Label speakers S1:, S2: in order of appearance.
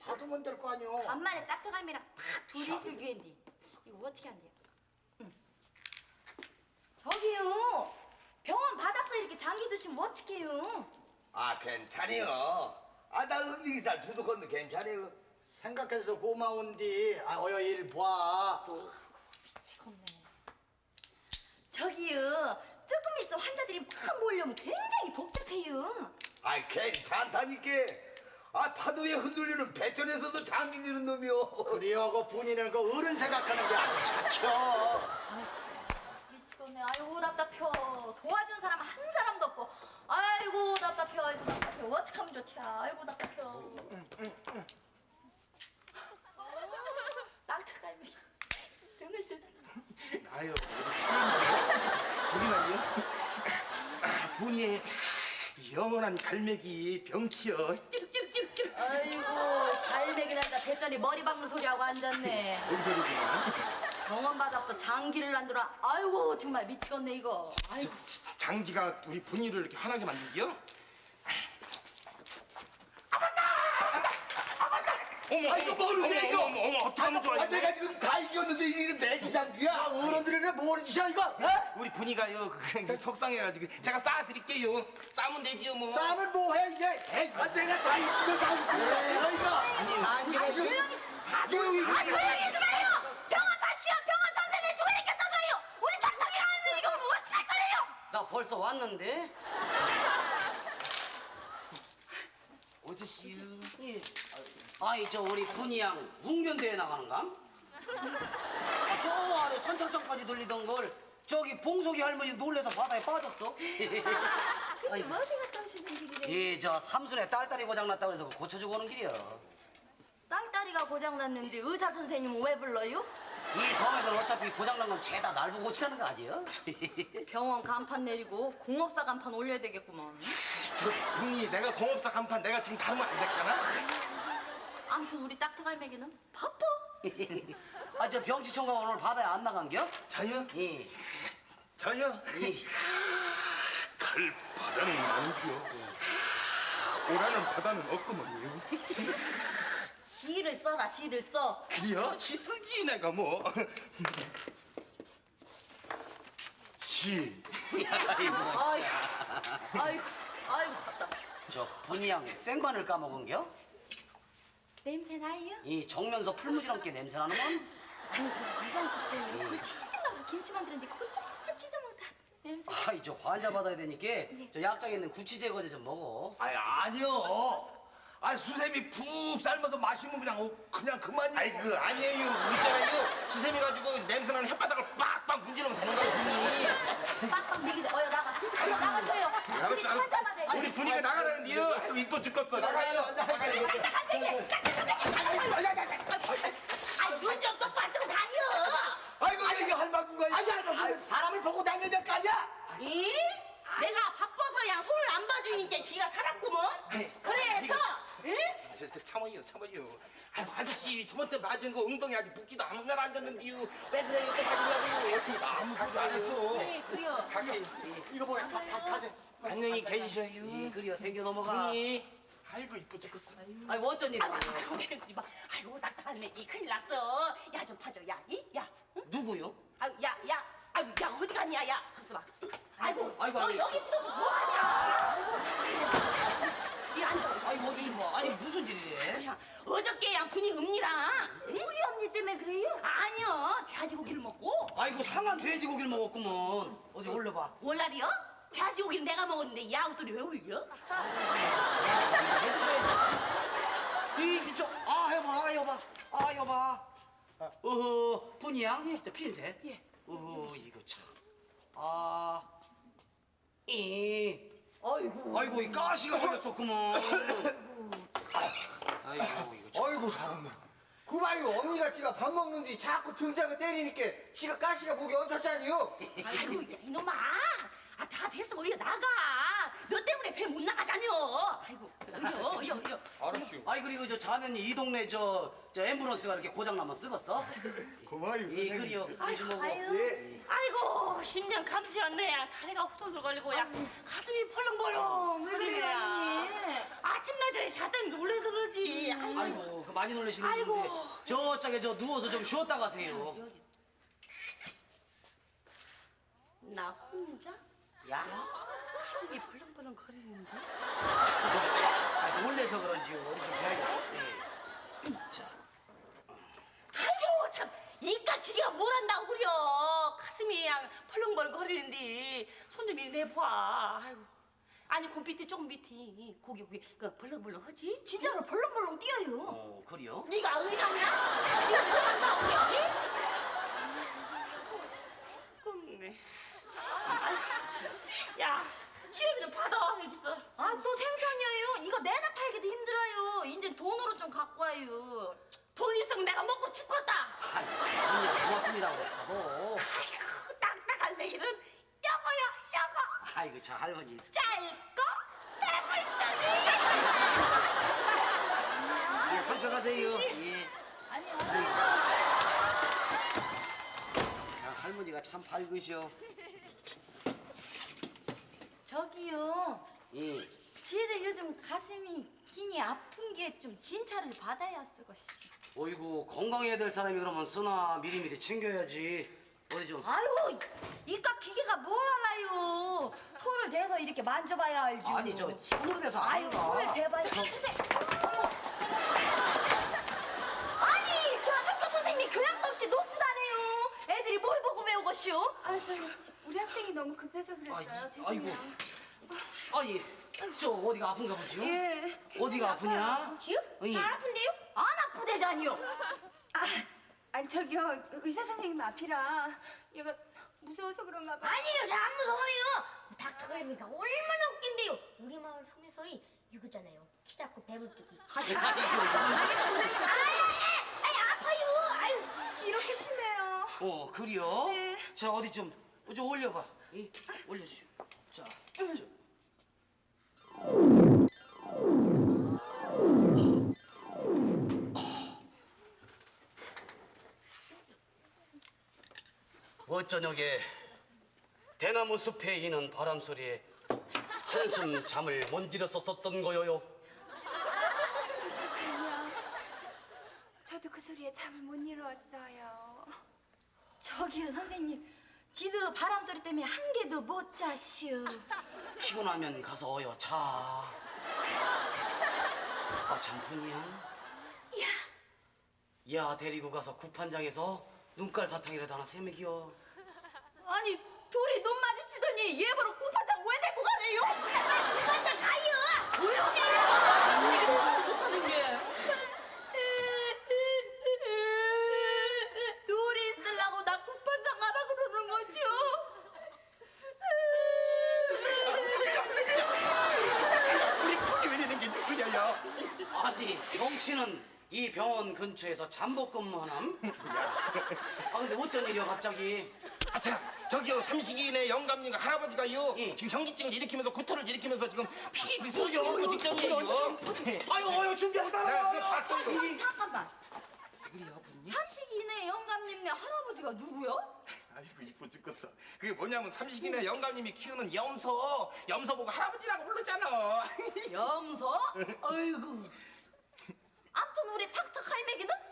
S1: 가두면 될 거 아니오.
S2: 간만에 따뜻함이랑 딱 둘이 있을 기회인데 이거 어떻게 한대요? 응. 저기요, 병원 바닥서 이렇게 장기 두시면 어떡해요?
S3: 아 괜찮아요. 아 나 음식이살 두둑 건데 괜찮아요.
S1: 생각해서 고마운디. 아 어여 일 봐.
S2: 미치겠네. 저기요, 조금 있으면 환자들이 막 몰려오면 굉장히 복잡해요.
S3: 아 괜찮다니까. 아 파도에 흔들리는 배전에서도 장기 드는 놈이요.
S1: 그래요, 그 분이는 그 어른 생각하는 게 아주 착혀.
S2: 미치겠네. 아이고 답답해. 도와준 사람 한 사람도 없고. 아이고 답답해. 아이고 답답해. 어떡하면 좋지? 아이고 답답해. 낙타 갈매기 등을 뜨다.
S4: 아유, 저기 말이요. 분이의 영원한 갈매기 병치여. 끼르끼르끼르끼르.
S2: 아이고 갈매기란다 대전이 머리 박는 소리하고 앉았네.
S4: 뭔 소리구나.
S2: 병원 받았어 장기를 난더라. 아이고 정말 미치겠네 이거. 아이고.
S4: 장기가 우리 분이를 이렇게 화나게 만들기요? 어머,
S3: 아이고, 모르네, 이거.
S4: 어머, 어떡하면 좋아,
S3: 아
S4: 이거.
S3: 내가 지금 다 이겼는데 이게 내기 장기야.
S1: 어른들이네 뭘 짓이야 이거? 어?
S4: 우리 분이가요, 속상해가지고 제가 싸드릴게요. 싸면 되지요, 뭐.
S1: 싸움을 뭐해 이게? 에이,
S3: 아 내가 다 이기고 다 이겼어 이거.
S1: 아니
S2: 조용히
S3: 다 조용히.
S2: 조용히 좀 해요. 병원 사시야 병원 전세 내주고 이렇게 떠들어요. 우리 닥터기 하는데 이거 뭐 어떡할 거래요?
S5: 나 벌써 왔는데?
S4: 어저씨요.
S5: 예. 아이 저 우리 분이양 웅변대회 나가는감? 아, 저 아래 선착장까지 들리던 걸 저기 봉석이 할머니 놀래서 바다에 빠졌어.
S2: 근데 어디 갔다 오시는 길이래요?
S5: 예, 저 삼순에 딸딸이 고장났다고 해서 고쳐주고 오는 길이요.
S2: 땅다리가 고장났는데 의사 선생님은 왜 불러요?
S5: 이 섬에서는 어차피 고장난 건 죄다 날 보고 고치라는 거 아니에요?
S2: 병원 간판 내리고 공업사 간판 올려야 되겠구먼.
S4: 저 분이 내가 공업사 간판 내가 지금 다루면 안 될까나?
S2: 아무튼 우리 딱트갈매기는 바빠.
S5: 아, 저 병치청가 오늘 바다에 안 나간겨?
S4: 저요?
S5: 예.
S4: 저요?
S5: 예.
S4: 갈 바다는 많고요. 오라는 바다는 없구먼요.
S2: 시를 써라 시를 써.
S4: 그래요? 시 쓰지 내가 뭐. 시.
S2: 아이고 아이고 아이고 답답해.
S5: 저 분이양 생마늘 까먹은겨?
S2: 냄새 나요?
S5: 이 정면서 풀무지랑게 냄새 나는건?
S2: 아니 저 이산 집사님이 그걸 찔끔하고 김치 만드는데 그걸 쭉쭉 찢어먹다 냄새.
S5: 아이 저 환자 받아야 되니까 저 약장에 있는 구취 제거제 좀 먹어.
S3: 아니 아니요. 아 수세미 푹 삶아서 마시면 그냥 그만이요.
S4: 아이 그 아니에요. 우리 있잖아요. 수세미 가지고 냄새나는 혓바닥을 빡빡 문지르면 되는 거예요. 분이.
S2: 빡빡 내기도 어여 나가. 어여 나가세요. 우리 환자마다 해야 돼.
S4: 우리 분이가 나가라는데요. 아이고 이뻐 죽겠어. 나가요. 나가요.
S2: 아눈 좀 똑바로 뜨고 다녀.
S3: 아이고 이게 할망구가.
S1: 아니 할머니 사람을 보고 다녀야 될 거 아니야?
S6: 이? 내가 바빠서야 손을 안 봐주니까 기가 살았구먼. 그래서 응?
S4: 참아요. 아이고 아저씨 저번 때 맞은 거 엉덩이 아직 붓기도 아무날 안 졌는데요. 왜 그래요? 또 맞으려고요. 아무 소리도 안 했어.
S6: 네, 그래요.
S4: 갈게요.
S1: 이거 뭐야? 가세요.
S4: 안녕히 계시셔요.
S5: 예, 그래요. 댕겨 넘어가.
S4: 분이. 아이고 이뻐 죽겠어.
S5: 아이고 어쩐 일이야.
S6: 아이고 그러지 마. 아이고 낙타갈매기 큰일 났어. 야 좀 봐줘. 야, 이? 야. 응?
S5: 누구요?
S6: 아유 야. 아유 야 어디 갔냐 야. 가서 봐. 아이고.
S5: 아이고,
S6: 너
S5: 아이고.
S6: 여기 붙어서 뭐하냐? 이 앉아.
S5: 아이고 어디 뭐? 아니 무슨 일이래?
S6: 야 어저께 양 분이 읍니랑. 응?
S2: 우리 언니 때문에 그래요?
S6: 아니요 돼지고기를 먹고.
S5: 아이고 상한 돼지고기를 먹었구먼. 어디 올려봐.
S6: 월날이요? 돼지고기는 내가 먹었는데 이 아웃돌이 왜 울려?
S5: 아 여봐. 어허 분이야? 저 핀셋.
S6: 예.
S5: 어허 이거 참. 아. 이.
S2: 아이고.
S5: 아이고 이 가시가 걸렸었구먼. 아이고 이거 참.
S1: 어이구 사람아. 그봐요 언니가 지가 밥 먹는데 자꾸 등장을 때리니까 지가 가시가 목이 얹었잖아요.
S6: 아이고 야, 이놈아 다 됐어 어여 나가 너 때문에 배 못 나가자녀 아이고 어여
S4: 알았슈.
S5: 아이 그리고 저 자네는 이 동네 저 앰뷸런스가 이렇게 고장 나면 쓰겄어?
S4: 고마워요.
S5: 예 그래요. 요즘 뭐.
S1: 예.
S6: 아이고 10년 감수였네 야 다리가 후덜덜 걸리고 야 가슴이 펄렁펄렁 왜 그래
S2: 그래요, 언니.
S6: 아침날 전에 잤더니 놀래서 그러지 아이고
S5: 아이고 그 많이 놀라시는
S6: 아이고.
S5: 분인데 저쪽에 저 누워서 좀 쉬었다 가세요.
S6: 여기. 나 혼자?
S5: 야,
S6: 가슴이 벌렁벌렁 거리는데?
S5: 놀래서 그런지요. 우리 좀 해야겠어. 자,
S6: 아이고 참 이깟 기계가 뭘 한다고 그려. 가슴이 그냥 벌렁벌렁 거리는데 손 좀 이리 내봐. 아이고. 아니 그 밑에 조금 밑에 고기 그 벌렁벌렁 하지?
S2: 진짜로 벌렁벌렁 뛰어요.
S5: 그래요?
S6: 네가 의사냐? 네가 그런 나오냐? 아이고 죽겠네. 아이고 참. 야 치료비는 받아 여기서.
S2: 아 또 생선이에요. 이거 내가 팔기도 힘들어요. 이제 돈으로 좀 갖고 와요.
S6: 돈 있으면 내가 먹고 죽겠다.
S5: 아이, 그냥 고맙습니다. 뭐.
S6: 아이고 딱딱한 내일은 여거야 여거.
S5: 아이고, 저 할머니.
S6: 짧고 빼불더니.
S5: 예, 살펴가세요. 예.
S2: 아니요.
S5: 야, 할머니가 참 밝으셔.
S2: 저기요.
S5: 예.
S2: 지혜들 요즘 가슴이 기니 아픈 게 좀 진찰을 받아야 쓰고시.
S5: 어이구, 건강해야 될 사람이 그러면 쓰나 미리미리 챙겨야지. 어디 좀.
S2: 아이고 이깟 기계가 뭘 알아요. 손을 대서 이렇게 만져봐야 알죠.
S5: 아니, 저 손으로 대서
S2: 아유
S5: 아닌가?
S2: 손을 대봐야 주세요. 어머. 아니 저 학교 선생님이 교양도 없이 높으다네요. 애들이 뭘 보고 배우고시오?
S7: 아, 우리 학생이 너무 급해서 그랬어요. 죄송해요.
S5: 아니, 저 어디가 아픈가 보지요?
S7: 예.
S5: 어디가 아프냐?
S2: 지요?
S5: 예.
S2: 잘 아픈데요? 안 아프대잖요.
S7: 아니, 저기요. 의사 선생님 앞이라 얘가 무서워서 그런가 봐.
S8: 아니에요, 잘 안 무서워요. 닥터갈비가 얼마나 웃긴데요. 우리 마을 소매서이 이거잖아요. 키 작고 배불뚝이.
S7: 아파요. 아유, 이렇게 심해요.
S5: 그래요?
S7: 네.
S5: 자, 어디 좀 올려봐. 이, 올려주세요. 자, 어저녁에 대나무 숲에 이는 바람 소리에 한숨 잠을 못 이뤘었던 거요요.
S7: 그러셨군요. 저도 그 소리에 잠을 못 이루었어요.
S2: 저기요 선생님. 지도 바람 소리 때문에 한 개도 못 자시오.
S5: 피곤하면 가서 어여 자. 아, 참 분이야. 야 데리고 가서 구판장에서 눈깔 사탕이라도 하나 세먹이요.
S6: 아니 둘이 눈 마주치더니 얘 보러 구판장 왜 데리고 가래요?
S8: 구판장 가요.
S6: 조용히 해. 못하는 게. 둘이 있으려고 나 구판장 가라 그러는 거죠?
S4: 우리 거기 올리는 게 누구냐요?
S5: 아직 병치는 이 병원 근처에서 잠복 근무하남? 아 근데 어쩐 일이야 갑자기?
S4: 아참 저기요 삼식이네 영감님과 할아버지가요
S5: 예.
S4: 지금 현기증을 일으키면서 구토를 일으키면서 지금 피비 쏘여가고 직전이에요.
S5: 아유 준비하고 따라와.
S4: 내가 봤어요.
S2: 잠깐만.
S4: 그래요 아버님?
S2: 삼식이네 영감님네 할아버지가 누구요?
S4: 아이고 이뻐 죽겠어. 그게 뭐냐면 삼식이네 영감님이 키우는 염소 보고 할아버지라고 불렀잖아.
S2: 염소? 아이고. 아무튼 우리 탁탁 할매기는